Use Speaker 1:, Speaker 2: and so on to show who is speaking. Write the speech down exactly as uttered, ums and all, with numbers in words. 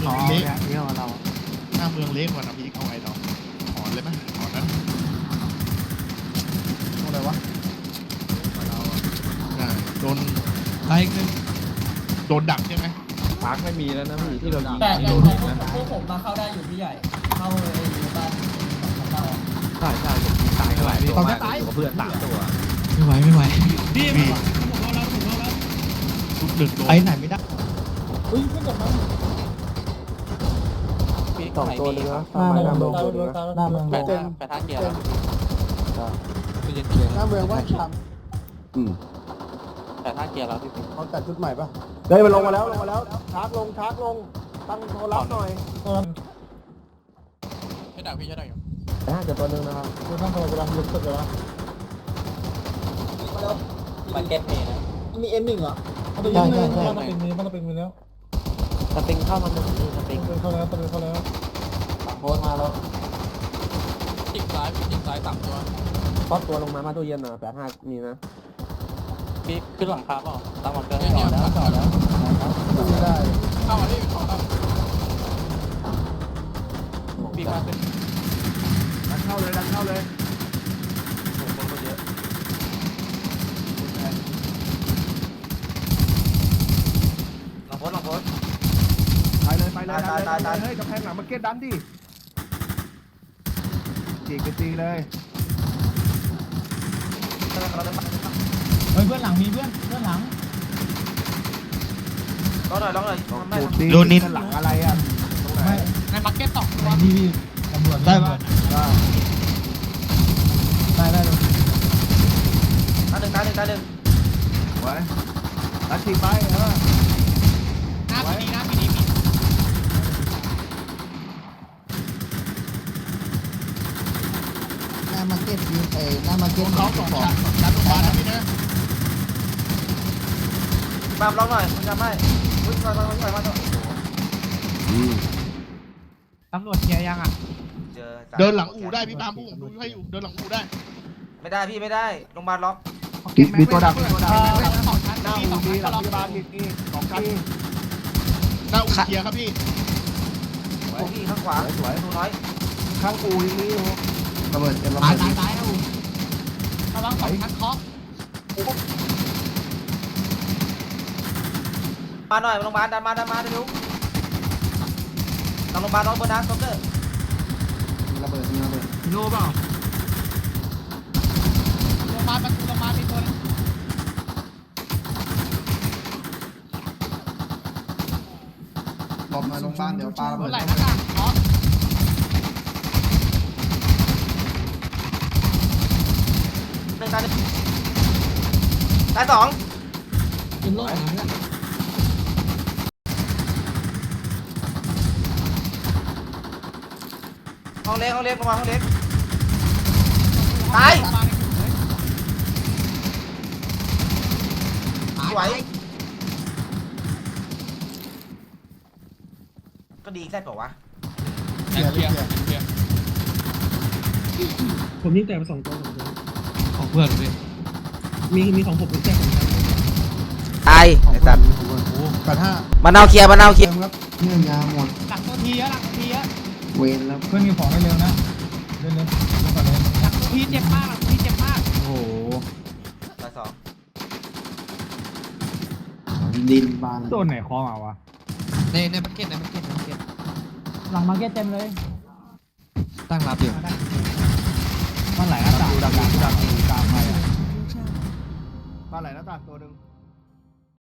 Speaker 1: เมืองเละ
Speaker 2: เที่ยวเรา
Speaker 1: หน้าเมืองเละกว่านะพี่เอาไงเราถอนเลยไหมถอนนั้น
Speaker 3: อะไรวะ
Speaker 1: ได้โดน
Speaker 2: ไล่หนึ่ง
Speaker 1: โดนดักใช่ไหม
Speaker 4: ปาร์คไม่มีแล้วนะพี่ที่เรายิง
Speaker 5: แต่
Speaker 4: ที่
Speaker 5: แต่
Speaker 4: โดน
Speaker 5: แต่
Speaker 4: ยิงนะ
Speaker 5: พวกผมมาเข้าได้อยู่พี่ใหญ่ เข้าเลยบ้านของเรา
Speaker 4: ใช่ใช่ผมยิงตายหลายตัวมากอยู่กับเพื่อนสามตัว
Speaker 2: ไม่ไหวไม่ไหว
Speaker 1: พี่พี่ทุกดึกโดน
Speaker 2: ไปไหนไม่ได้
Speaker 3: อุ้ยขึ้นจากมัน
Speaker 4: สองตัวเลยนะ
Speaker 3: หน้าเมืองหน้าเมือง
Speaker 4: ไป
Speaker 3: เต็ม
Speaker 4: ไปท่าเกียร์แล้ว
Speaker 3: หน้าเมืองว่าท
Speaker 4: อืมแต่ท่าเกียร์แล้วพี่ปิ๊ก
Speaker 3: ำเขาจัดชุดใหม่ปะ
Speaker 6: เฮ้ยมันลงมาแล้วลงมาแล้วชาร์จลงชาร์จลงตั้งโทรรับหน่อย
Speaker 1: ใช่ดักพี่ใช่ดักอยู่
Speaker 6: น่าจะตัวนึงนะครับ
Speaker 3: คุณต้องโทรกำลังลุกขึ้นเลยนะ
Speaker 5: มาเก็ตเมย์นะ
Speaker 3: มีเอ็มหนึ่งเหรอเขาไปยิงเลยมันเป็นมีมันเป็นมีแล้ว
Speaker 4: สปริงเข้ามาหนึ่งนี่สปริง
Speaker 3: เป็นเข้าแล้วเป็นเข้าแล้ว
Speaker 6: โพสมาแล้ว
Speaker 1: จิกซ้ายจิกซ้ายสามตัว
Speaker 6: ทอดตัวลงมามาตู้เย็นหน่อยแปดห้ามีนะ
Speaker 4: พี่ขึ้นหลังคาเปล่าตั้งมันเกิน
Speaker 1: เนี่ยเนี่ย
Speaker 3: ต่อแล้วไม่ได้
Speaker 1: เข้ามาที่เข้ามา
Speaker 4: พี่มาขึ้น
Speaker 6: ดันเข้าเลยดันเข้าเลย
Speaker 4: ผมคนก็เยอะ
Speaker 5: ลองโพสลองโพส
Speaker 6: ไปเลยไปเลยดันเลยดันเลยเฮ้ยกำแพงหลังมาเก็ตดันดิจีกไปตีเลย
Speaker 3: เฮ้ยเพื่อนหลังมีเพื่อนเพื่อนหลัง
Speaker 5: ลองหน่อยลองหน่อยไม่
Speaker 2: โดนนิด
Speaker 6: หลังอะไรอ่ะตรงไหน
Speaker 1: ในมาร์เก็ตสองตัว
Speaker 3: นี่พี่ตำรวจได้ปะได้ได้เลย
Speaker 5: ตาหนึ่งตาหนึ่งตาหนึ่ง
Speaker 6: ไว้ดันจีไปเออ
Speaker 1: หน้าพีดีหน้าพีดีมี
Speaker 3: หน้ามาร์เก็ตยิงเอหน้ามาร์เก็ต
Speaker 1: เขาสองชั้นสองชั้นโรงพยาบาลนะพี่นะ
Speaker 5: ปามลองหน่อยมันจะไม่อุ้ยมามามามาต่อ
Speaker 2: ตำรวจเคลียร์ยังอ่ะ
Speaker 5: เจอ
Speaker 1: เดินหลังอู่ได้พี่ปาล์มผู้ผมดูให้อยู่เดินหลังอู่ได้
Speaker 5: ไม่ได้พี่ไม่ได้โรงพยาบาลล็อก
Speaker 6: มีตัวดักมีตัวดัก
Speaker 1: สองชั้น
Speaker 6: หน้า
Speaker 1: พี่ส
Speaker 6: อู
Speaker 1: อง
Speaker 6: มี
Speaker 1: ชั้น
Speaker 6: หลั
Speaker 1: ก็
Speaker 6: ง
Speaker 1: ล็อก
Speaker 6: พยาบาลมีมีสองชั้น
Speaker 1: หน้าอู่เคลียร์ครับพี่
Speaker 5: โอ้พี่ข้างขวา
Speaker 6: สวย
Speaker 5: ดูน้อย
Speaker 6: ข้างอูยังมีอยู่ระเบิดเจ็บระ
Speaker 1: ตา
Speaker 6: เบิ
Speaker 1: ย
Speaker 6: ด
Speaker 1: ตายตายนะอู่ระวังสองชั้นเคาะ
Speaker 5: มาหน่อยโรงพยาบาลดันมาดันมาเร็วทางโรงพยาบาลล็อกบนนะซ็อกเกอร์
Speaker 6: มีระเบิดมีระเบิด
Speaker 2: โน่เปล่า
Speaker 1: โรงพยาบาลประตูโรงพยาบาลมีตัวนึง
Speaker 3: หลบมาโรงพยาบาลเดี๋ยวปาระ
Speaker 1: เมื่
Speaker 3: เบิ
Speaker 1: อ
Speaker 3: ด
Speaker 1: ไหร่หน้ากากเคาะ
Speaker 5: หนึ่งตาหนึ่งตาสอง
Speaker 3: กินโลกหลังเนี่ย
Speaker 5: ห้องเล็กห้องเล็กลงมาห้องเล็กตายสวยก็ดีแค่เปล่าวะ
Speaker 1: เคลียร์เคลียร์เคลียร์
Speaker 7: ผมยิงแต่ไปสองตัวสองตัว
Speaker 2: ของเพื่อนเลย
Speaker 7: มีมีของผมเป็นแค่ของฉัน
Speaker 5: ตายไอ้สัตว์
Speaker 3: แปดห้า
Speaker 5: มาเน่าเคลียร์มาเน่าเคลียร์
Speaker 3: ครับเนื่องยาหมด
Speaker 1: หลังตัวทีอะหลังตัวทีอะ
Speaker 3: เวรแล้วเพื่อนมีของให้เร็วนะเร็วเร็วก่อนเลย
Speaker 1: หลังตัวทีเจ็บมากหลังตัวทีเจ็บมาก
Speaker 2: โอ้โห
Speaker 5: ตาสอง
Speaker 3: ดินบาน
Speaker 7: โดนไหนคอมาวะ
Speaker 2: ในในมาร์เก็ตในมาร์เก็ตในมาร์เก็ต
Speaker 3: หลังมาร์เก็ตเต็มเลย
Speaker 2: ตั้งรับอยู่
Speaker 3: มันไหลหน้าต่างดังดังดังตามไปอ่ะ
Speaker 6: บ้านไหนหน้าต่างตัวหนึ่ง